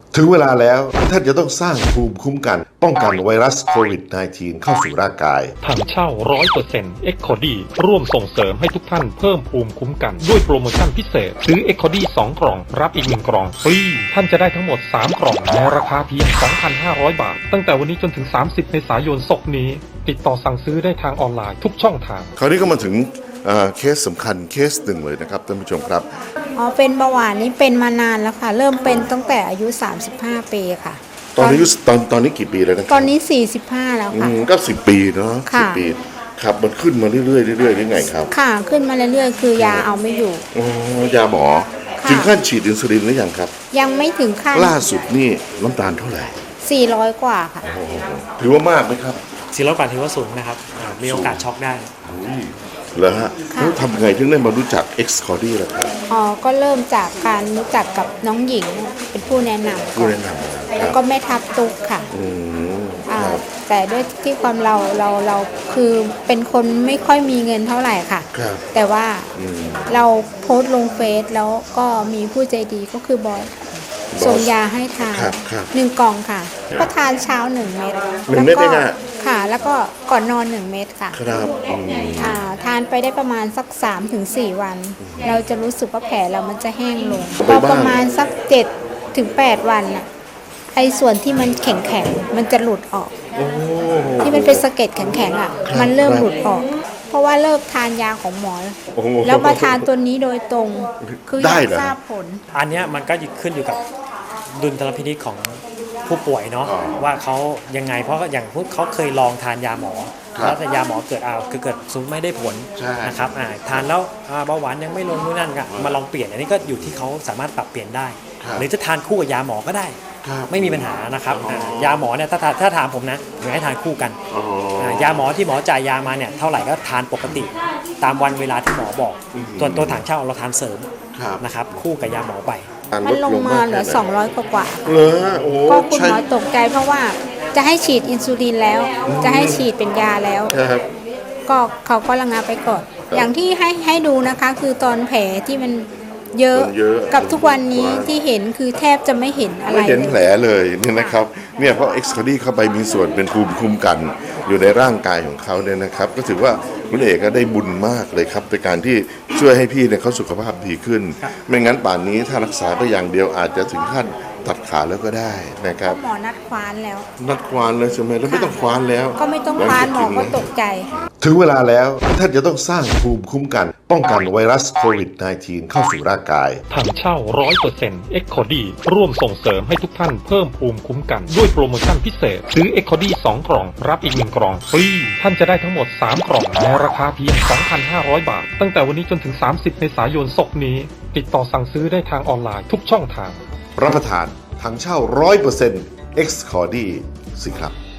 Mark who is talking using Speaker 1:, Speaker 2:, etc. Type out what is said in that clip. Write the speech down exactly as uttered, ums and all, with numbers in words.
Speaker 1: ถึงเวลาแล้วท่านจะต้องสร้างภูมิคุ้มกันป้องกันไวรัสโควิด สิบเก้า เข้าสู่ร่างกาย
Speaker 2: ถังเช่า ร้อยเปอร์เซ็นต์ เอ็กโคดี ร่วมส่งเสริมให้ทุกท่านเพิ่มภูมิคุ้มกันด้วยโปรโมชั่นพิเศษซื้อ เอ็กโคดี สอง กล่องรับอีกหนึ่งกล่องฟรีท่านจะได้ทั้งหมดสามกล่องในราคาเพียง สองพันห้าร้อย บาทตั้งแต่วันนี้จนถึงสามสิบเมษายนศกนี้ติดต่อสั่งซื้อได้ทางออนไลน์ทุกช่องทาง
Speaker 1: คราวนี้ก็มาถึงเคสสำคัญเคสหนึ่งเลยนะครับท่านผู้ชมครับ
Speaker 3: อ๋อเป็นเบาหวานนี่เป็นมานานแล้วค่ะเริ่มเป็นตั้งแต่อายุสามสิบห้าปีค่ะ
Speaker 1: ตอนนี้ตอนตอนนี้กี่ปีแล้วนะ
Speaker 3: ตอนนี้สี่สิบห้าแล้วค่ะ
Speaker 1: ก็สิบปีเนาะสิบปีครับมันขึ้นมาเรื่อยๆเรื่อยๆได้ไงครับ
Speaker 3: ค่ะขึ้นมาเรื่อยๆคือยาเอาไม่อยู่
Speaker 1: อ๋อยาหมอถึงขั้นฉีดอินซูลินหรือยังครับ
Speaker 3: ยังไม่ถึงขั้น
Speaker 1: ล่าสุดนี่น้ำตาลเท่าไหร่
Speaker 3: สี่ร้อยกว่าค่ะ
Speaker 1: ถือว่ามากไหมครับ
Speaker 4: สี่ร้อยกว่าถือว่าสูงนะครับมีโอกาสช็อกได้
Speaker 1: เหรอฮะแล้วทำไงถึงได้มารู้จัก เอ็กซ์ คอร์ดี้ ล่ะครับ
Speaker 3: อ๋อก็เริ่มจากการรู้จักกับน้องหญิงเป็นผู้แนะนำ
Speaker 1: ผู้แนะน
Speaker 3: ำแล้วก็แม่ทับตุ๊กค่ะแต่ด้วยที่ความเราเราเราคือเป็นคนไม่ค่อยมีเงินเท่าไหร่ค่ะแต่ว่าเราโพสต์ลงเฟซแล้วก็มีผู้ใจดีก็คือบอสส่งยาให้ทานหนึ่งกล่องค่ะก็ทานเช้าหนึ่งเม็ด
Speaker 1: หนึ่งเม็ดเองอ่ะ
Speaker 3: ค่ะแล้วก็ก่อนนอนหนึ่งเม็ดค่ะ
Speaker 1: ครับ
Speaker 3: ทานไปได้ประมาณสักสามถึงสี่วันเราจะรู้สึกว่าแผลเรามันจะแห้งลงพอประมาณสักเจ็ดถึงแปดวันน่ะไอ้ส่วนที่มันแข็งแข็งมันจะหลุดออกที่มันเป็นสะเก็ดแข็งแข็งอ่ะมันเริ่มหลุดออกเพราะว่าเลิกทานยาของหมอแล้วมาทานตัวนี้โดยตรงคืออยากทราบผล
Speaker 4: อันนี้มันก็ขึ้นอยู่กับดุลพินิจของผู้ป่วยเนาะว่าเขายังไงเพราะอย่างพวกเขาเคยลองทานยาหมอแล้วแต่ยาหมอเกิดเอาคือเกิดซุ้มไม่ได้ผลนะครับทานแล้วเบาหวานยังไม่ลงนู่นนั่นก็มาลองเปลี่ยนอันนี้ก็อยู่ที่เขาสามารถปรับเปลี่ยนได้หรือจะทานคู่กับยาหมอก็ได้ไม่มีปัญหานะครับยาหมอเนี่ยถ้าถ้าถามผมนะผมให้ทานคู่กันยาหมอที่หมอจ่ายยามาเนี่ยเท่าไหร่ก็ทานปกติตามวันเวลาที่หมอบอกตัวตัวถังเช่าเราทานเสริมนะครับคู่กับยาหมอไป
Speaker 3: มันลงมาเหลือสองร้อยกว่า
Speaker 1: เหรอโอ้
Speaker 3: ก็คุณหมอตกใจเพราะว่าจะให้ฉีดอินซูลินแล้วจะให้ฉีดเป็นยาแล้วก็เขาก็ระงับไปก่อนอย่างที่ให้ให้ดูนะคะคือตอนแผลที่มันเยอะกับทุกวันนี้ที่เห็นคือแทบจะไม่เห็นอะไร
Speaker 1: ไม่เห็นแผลเลยเนี่ยนะครับเนี่ยเพราะ เอ็กซ์ คอร์ดี้ เข้าไปมีส่วนเป็นภูมิคุ้มกันอยู่ในร่างกายของเขาเนี่ยนะครับก็ถือว่าคุณเอกก็ได้บุญมากเลยครับในการที่ช่วยให้พี่เนี่ยเขาสุขภาพดีขึ้นไม่งั้นป่านนี้ถ้ารักษาไปอย่างเดียวอาจจะถึงขั้นตัดขาแล้วก็ได้นะครับ
Speaker 3: หมอนัดคว้านแล้ว
Speaker 1: นัดคว้านเลยใช่ไหมแล้วไม่ต้องคว้านแล้ว
Speaker 3: ก็ไม่ต้องคว้านหมอก็ตกใจ
Speaker 1: ถึงเวลาแล้วท่านจะต้องสร้างภูมิคุ้มกันป้องกันไวรัสโควิด สิบเก้า เข้าสู่ร่างกาย
Speaker 2: ถังเช่า ร้อยเปอร์เซ็นต์ เอ็กโคดี ร่วมส่งเสริมให้ทุกท่านเพิ่มภูมิคุ้มกันด้วยโปรโมชั่นพิเศษซื้อ เอ็กโคดี สอง กล่องรับอีกหนึ่งกล่องฟรีท่านจะได้ทั้งหมดสามกล่องในราคาเพียง สองพันห้าร้อย บาทตั้งแต่วันนี้จนถึงสามสิบเมษายนศกนี้ติดต่อสั่งซื้อได้ทางออนไลน์ทุกช่องทาง
Speaker 1: รับประทานถังเช่า ร้อยเปอร์เซ็นต์ เอ็กซ์ คอร์ดี้ สิครับ